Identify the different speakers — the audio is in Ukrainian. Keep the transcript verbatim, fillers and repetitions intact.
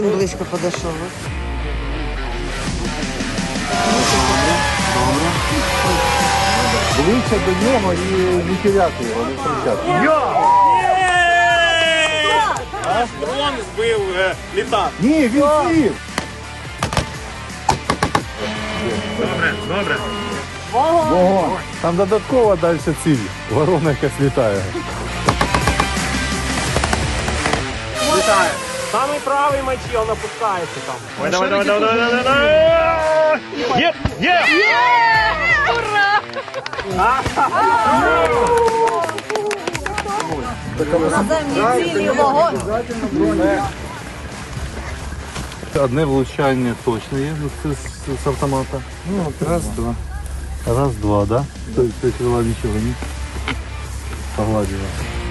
Speaker 1: він близько підійшов.
Speaker 2: Ближче до нього і не теряти його, не втрачати.
Speaker 3: Дрон збив е, літак.
Speaker 2: Ні, він слів!
Speaker 3: Добре, добре.
Speaker 2: Вогонь! Там додатково далі ціль. Ворона якась літає.
Speaker 3: Літає. Самий правий мечі, він опускається там. Давай, давай, давай, давай, давай, давай. Є, є!
Speaker 4: Наземні цілі, вогонь.
Speaker 2: Одне влучання точно є з, з, з автомата. Ну, раз, два. Раз, два, да? То есть крила нічого не погладила.